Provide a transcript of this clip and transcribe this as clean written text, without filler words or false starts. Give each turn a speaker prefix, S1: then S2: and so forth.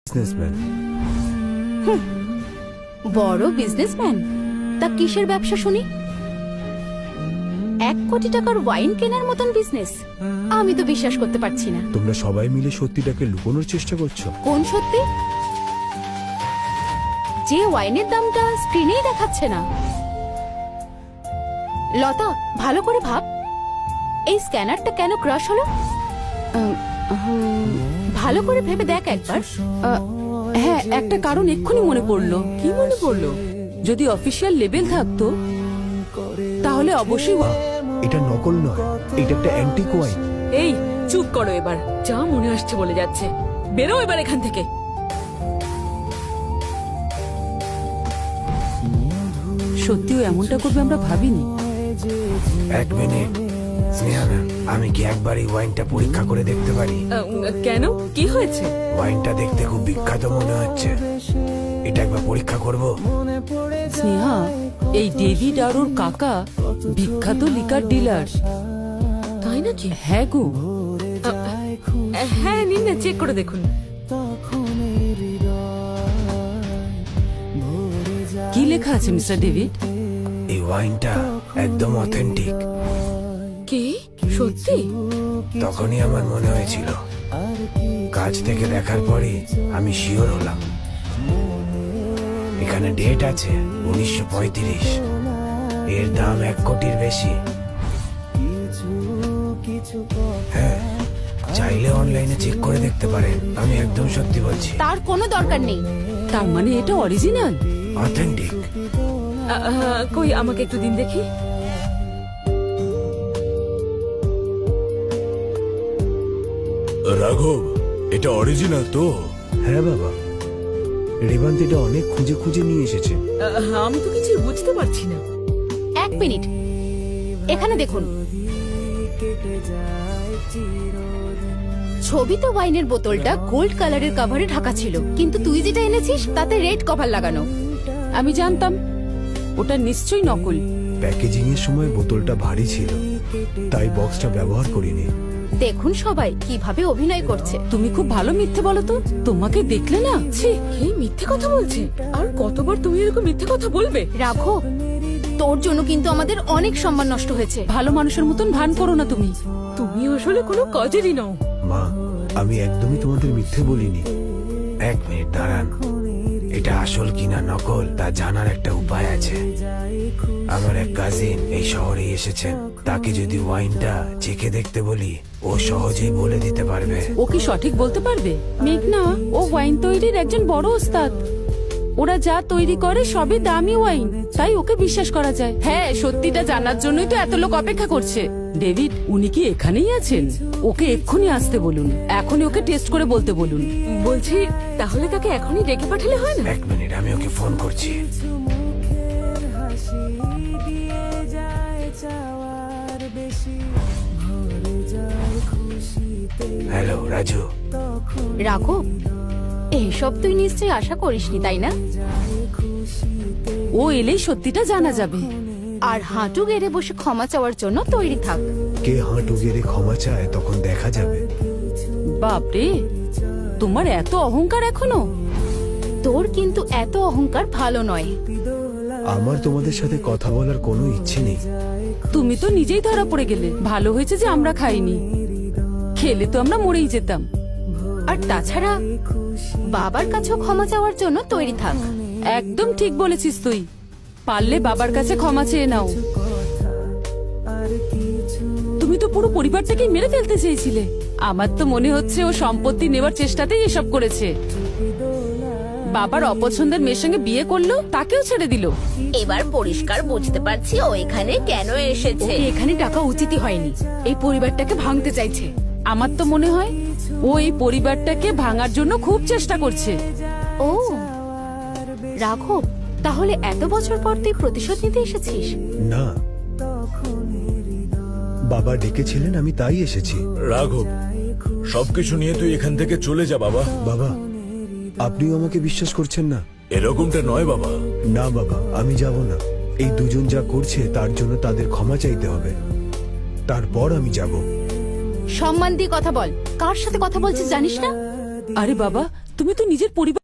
S1: Businessman.
S2: বড় businessman? তা কিসের ব্যবসা শুনি? 1 কোটি টাকার ওয়াইন কেনার মতন বিজনেস? আমি তো বিশ্বাস করতে পারছি না।
S1: তোমরা সবাই মিলে সত্যিটাকে লুকোনোর চেষ্টা করছো।
S2: কোন সত্যি? যে ওয়াইনের দামটা স্ক্রিনেই দেখাচ্ছে না। লতা, ভালো করে ভাব, এই স্ক্যানারটা কেন ক্রাশ হলো? ভালো করে ভেবে দেখ একবার।
S3: হ্যাঁ, একটা কারণ এক্ষুনি মনে পড়লো। কি মনে পড়লো? যদি অফিসিয়াল লেবেল থাকতো তাহলে অবশ্যই।
S1: এটা নকল নয়, এটা একটা অ্যান্টিক ওয়াইন।
S3: এই চুপ করো এবার, যা মনে আসছে বলে যাচ্ছে। বেরো এবার এখান থেকে। সত্যিও এমনটা করবে আমরা ভাবিনি।
S1: 1 মিনিট স্নেহা ম্যাম, আমি কি একবার এই ওয়াইনটা পরীক্ষা করে দেখতে পারি?
S3: কেন, কি হয়েছে?
S1: ওয়াইনটা দেখতে খুব বিখ্যাত মনে হচ্ছে, এটা একবার পরীক্ষা করব।
S3: স্নেহা, এই ডেভিড আর ওর কাকা বিখ্যাত লিকার ডিলার। তাই নাকি? হ্যাঁ গো। হ্যাঁ, নিন না, চেক করে দেখুন। কি লেখা আছে মিস্টার ডেভিড?
S1: এই ওয়াইনটা একদম অথেন্টিক।
S3: কি সত্যি?
S1: তখনই আমার মনে হয়েছিল, কাছ থেকে দেখার পরে আমি শিওর হলাম। এখানে ডেট আছে 1935, এর দাম 1 কোটির বেশি। হ্যাঁ, চাইলে অনলাইনে চেক করে দেখতে পারেন, আমি একদম সত্যি বলছি।
S2: তার কোনো দরকার নেই।
S3: তার মানে এটা অরিজিনাল,
S1: অথেন্টিক।
S3: কই আমাকে একটু দিন দেখি।
S4: রাঘব, এটা অরিজিনাল তো?
S1: হ্যাঁ বাবা, রেবান্ত এটা অনেক খুঁজে খুঁজে নিয়ে এসেছে।
S3: আমি তো কিছু বুঝতে পারছি না।
S2: 1 মিনিট, এখানে দেখুন। ছবিতে ওয়াইনের বোতলটা গোল্ড কালারের কভারে ঢাকা ছিল, কিন্তু তুই যেটা এনেছিস তাতে রেড কভার লাগানো।
S3: আমি জানতাম ওটা নিশ্চয়ই নকল।
S1: প্যাকেজিং এর সময় বোতলটা ভারী ছিল, তাই বক্সটা ব্যবহার করিনি।
S2: দেখুন সবাই কিভাবে অভিনয় করছে।
S3: তুমি খুব ভালো মিথ্যে বলো তো। তোমাকে দেখলে না, ছি, কি মিথ্যে কথা বলছে। আর কতবার তুমি এরকম মিথ্যে কথা বলবে?
S2: রাখো, তোর জন্য কিন্তু আমাদের অনেক সম্মান নষ্ট হয়েছে।
S3: ভালো মানুষের মতন ভান করো না তুমি। তুমি আসলে কোনো কাজেরই নও।
S1: মা, আমি একদমই তোমাদের মিথ্যে বলিনি। 1 মিনিট দাঁড়ান, এটা আসল কিনা নকল তা জানার একটা উপায় আছে। আমার এক কাজিন এই শহরে এসেছেন, তাকে যদি ওয়াইনটা চেখে দেখতে বলি, ও সহজেই বলে দিতে পারবে।
S3: ও কি সঠিক বলতে পারবে? মেঘনা, ও ওয়াইন তৈরির একজন বড় ওস্তাদ। ওরা যা তৈরি করে সবই দামি ওয়াইন, তাই ওকে বিশ্বাস করা যায়। হ্যাঁ, সত্যিটা জানার জন্যই তো এত লোক অপেক্ষা করছে। ডেভিড, উনি কি এখানেই আছেন? ওকে এক্ষুনি আসতে বলুন, এখনই ওকে টেস্ট করে বলতে বলুন। বলছি, তাহলে তাকে এখনই ডেকে পাঠালে হয় না?
S1: 1 মিনিট, আমি ওকে ফোন করছি। হ্যালো রাজু।
S2: রাখো, এইসব তুই নিশ্চয়ই আশা করিসনি, তাই না?
S3: ও এলেই সত্যিটা জানা যাবে।
S2: আর হাঁটু গেড়ে বসে ক্ষমা চাওয়ার জন্য তৈরি থাক।
S1: কে হাঁটু গেড়ে ক্ষমা চায় তখন দেখা যাবে।
S3: বাপরে, তোমার এত অহংকার এখনো?
S2: তোর কিন্তু এত অহংকার ভালো নয়।
S1: আমার তোমাদের সাথে কথা বলার কোনো ইচ্ছে নেই।
S3: তুমি তো নিজেই ধরা পড়ে গেলে। ভালো হয়েছে যে আমরা খাইনি, খেলে তো আমরা মরেই যেতাম।
S2: আর তাছাড়া বাবার কাছেও ক্ষমা চাওয়ার জন্য তৈরি থাক।
S3: একদম ঠিক বলেছিস তুই। পারলে বাবার কাছে ক্ষমা চেয়ে নাও। তুমি তো পুরো পরিবারটাকেই মেরে ফেলতে চেয়েছিলে। আমার তো মনে হচ্ছে ও সম্পত্তি নেবার চেষ্টাতেই এসব করেছে। বাবার অপছন্দের মেয়ের সঙ্গে বিয়ে করলো, তাকেও ছেড়ে দিল।
S5: এবার পরিষ্কার বুঝতে পারছি ও এখানে কেন এসেছে।
S2: ওকে এখানে টাকা উচিতই হয়নি। এই পরিবারটাকে ভাঙতে চাইছে।
S3: আমার তো মনে হয় ও এই পরিবারটাকে ভাঙার জন্য খুব চেষ্টা করছে।
S2: ও রাঘব, তাহলে এত বছর পর তুই প্রতিশোধ নিতে এসেছিস?
S1: না, বাবা ডেকেছিলেন, আমি তাই এসেছি।
S4: রাঘব, সবকিছু নিয়ে তুই এখান থেকে চলে যা বাবা।
S1: বাবা, আপনিও আমাকে বিশ্বাস করছেন না?
S4: এরকমটা নয় বাবা।
S1: না বাবা, আমি যাব না। এই দুজন যা করছে তার জন্য তাদের ক্ষমা চাইতে হবে, তারপর আমি যাব।
S2: সম্মান দিয়ে কথা বল। কার সাথে কথা বলছিস জানিস না?
S3: আরে বাবা, তুমি তো নিজের পরিবার